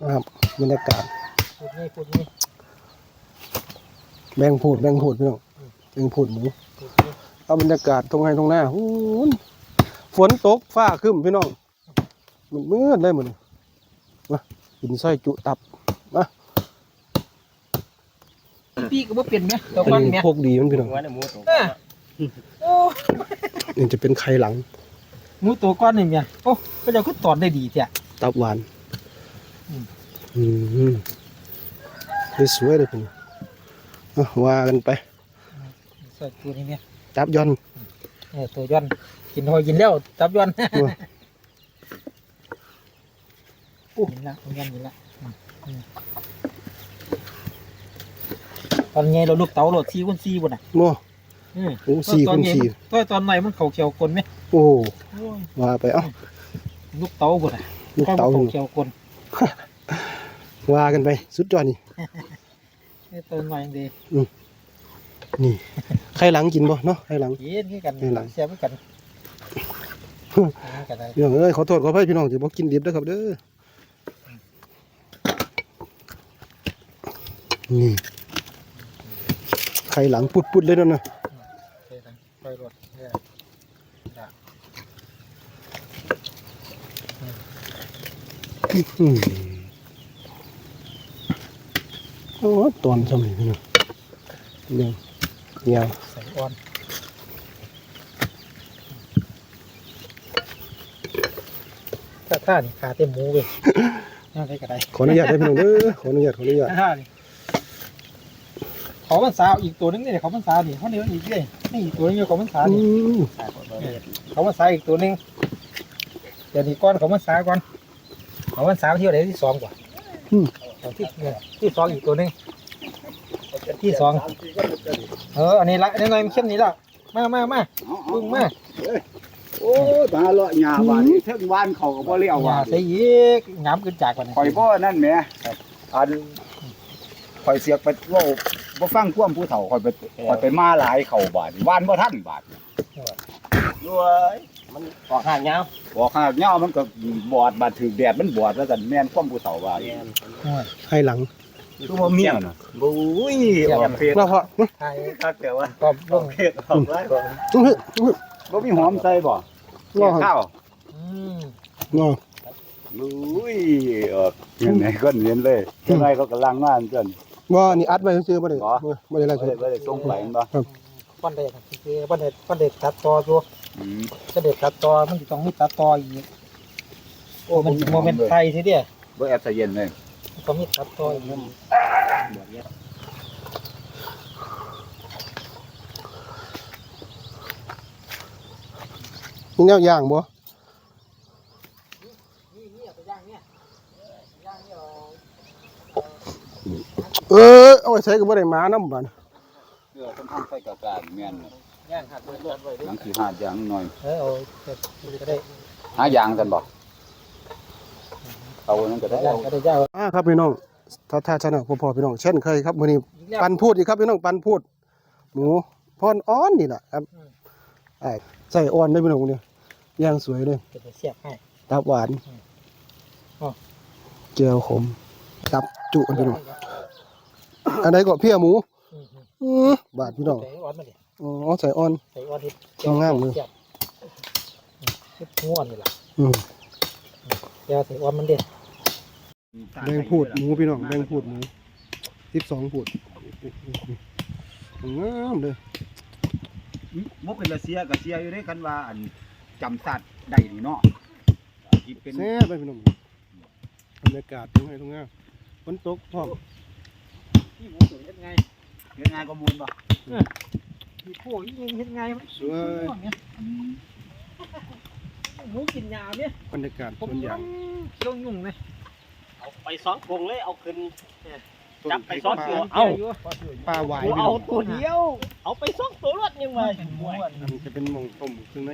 นะครับบรรยากาศพูดนี่แบ่งพูดพี่น้องแบ่งพูดหมูเอาบรรยากาศตรงไหนตรงหน้าฝนตกฟ้าครึ้มพี่น้องมันมืดเลยเหมือนมากินไส้จุตับมาพี่ก็บ่เปลี่ยนไหมตัวอัก้อนนนี้เนี่ยพวกดีมันพี่น้องโอ้นี่จะเป็นไข่หลังหมูตัวก้อนนี่เนี่ยโอ้ก็จะขึ้นตอนได้ดีจ้ะตับหวานสวยเลยพี่ว่ากันไปใส่ตัวนี้เนี่ยตับย้อนตัวย้อนกินหอยกินแล้วตับย้อนกินละย้อนกินละตอนไงเราลูกเต๋าโหลด4x4บนน่ะโม่โอ้4x4 ตอนไหนมันเขาเขียวกลไหมโอ้ว่าไปเอ้าลูกเต๋าบนน่ะลูกเต๋าเขียวกลว่ากันไปสุดยอดนี่ตัวหน่อยดีนี่ไข่หลังกินบ่เนาะไข่หลังกินกันเสียบกันพี่น้องเอ้ยขอโทษขออภัยพี่น้องที่บ่กินดิบนะครับเด้อนี่ไข่หลังปุดๆเลยนั่นน่ะโอ้ตอนสมัยพี่น้องเนี่ยใส่อ่อนท่านี่ขาเต็มหมูเลยน่าได้กระไดขออนุญาตได้พี่น้องเด้อขออนุญาตท่านี่ขอมันสาวอีกตัวนึงเนี่ยเขามันสาวนี่เขาเนื้ออีกเลยนี่อีกตัวนึงเขามันสาวนี่เขามันสาวอีกตัวนึงเดี๋ยวนี้ก้อนเขามันสาวก่อนเขามันสาวเที่ยวไหนที่2กว่าที่2อีกตัวนึงที่2อันนี้ละอันนี้หน่อยมันเข้มนี่ละมาพึ่งมาโอ้ตาเลาะหญ้าบ้านนี้เทิงวานเขาก็บ่เลี้ยวว่าใส่อีกงามขึ้นจากกว่านี้ข่อยบ่นั่นแหมอันข่อยเสียกไปเว้าบ่ฟังความผู้เฒ่าข่อยไปมาหลายเข้าบ้านวานบ่ทันบาดด้วยมันออกห่างยาวบอกหากเหย้ามันก็บอดบาดถึกแดดมันบอดแล้วกันแม่นความผู้เฒ่าว่าให้หลังคือบ่เมียน่ะบุ้ยออกเพศเราพอใช่คักแต่ว่าก็ลงเพศออกหลายบ่มีหอมใส่บ่ข้าวงอบุ้ยออกยังไงก็เห็นเลยยังไงเขากำลังงานเพิ่นว่านี่อัดไว้ซื่อบ่ได้บ่ได้อะไรบ่ได้ส่งไปบ่ครับปั้นเด็ดคือปั้นเด็ดตัดตอตัวจะเด็ดตัดตอมันต้องมีตัดตออีกโอ้มันโมเมนต์ไทยทีเดียวบ่แอบใส่เย็นเลยต้องมีตัดตออีกมีแนวย่างบ่เอาไว้ใช้ก็บ่ได้มาน้ำบาดต้องทำไฟกะกาแม่นย่างหักเลือดไว้หลังสิหาอย่างหน่อยเอาก็ได้หาอย่างกันบ่เอานั้นก็ได้ครับพี่น้องถ้าชนะพอพี่น้องเช่นเคยครับมื้อนี้ปันพูดอีกครับพี่น้องปันพูดหมูพรอ้อนนี่แหละครับใส่อ่อนได้พี่น้องเนี่ยย่างสวยเลยเสียบให้ตับหวานเจียวขมตับจุพี่น้องอันไหนก็เพี้ยหมูบาดพี่น้องใส่อ่อนงามเลยง่วนนี่แหละเดี๋ยวใส่อ่อนมันเด็ดแบ่งพูดหมูพี่น้องแบ่งพูดหมู12พูดงามเลยบ่เป็นละเสียก็เสียอยู่ในคันว่าอันจำสัตว์ได้นี่เนาะที่เป็นแซ่บไปพี่น้องบรรยากาศตรงไหนตรงงามฝนตกพร้อมที่หมูสวยยังไงก็มูลบ่มีพวกยิงเฮ็ดไงมันสวยหมูกินยาเนี่ยบรรยากาศต้นยางเคี้ยวยุ่งเลยเอาไป2 กงเลยเอาขึ้นจับไป2 ตัวเอาปลาหวายเอาตัวเดียวเอาไป2 ตัวรถยังไงจะเป็นมงต้มเครื่องใน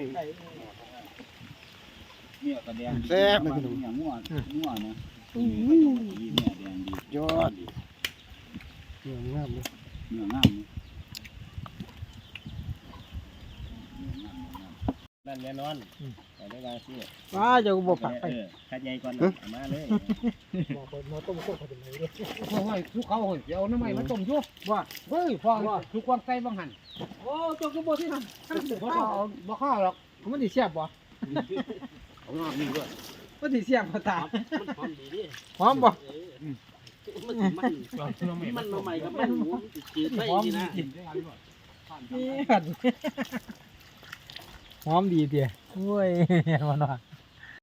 เนี่ยกระแดงแซ่บเลยพี่น้องอย่างงัวนะเนี่ยแดงดียอดเนื้องามเลยเนื้องามนั่นแน่นอนแต่ได้บางที่ว้าเจ้าก็บ่ปักไปขัดใหญ่ก่อนมาเลยบ่คนมาต้มโคตรเป็นไรเด้โอ้ยทุกเขาเดี๋ยวน้ำมันมาต้มอยู่ว่าเฮ้ยพอทุกความใจบังหันโอ้เจ้าก็บ่ที่นั่นบ่ข้าวหรอกมันสิเสียบบ่ของนอกนี่ด้วยมันสิเสียบบ่ตามันหอมดีดิหอมบ่มันมาใหม่กับมันหมูจืดไปหอมนี่ดีนะจริงนี่หันหอมดีเตี้ยโอ้ยมันว่า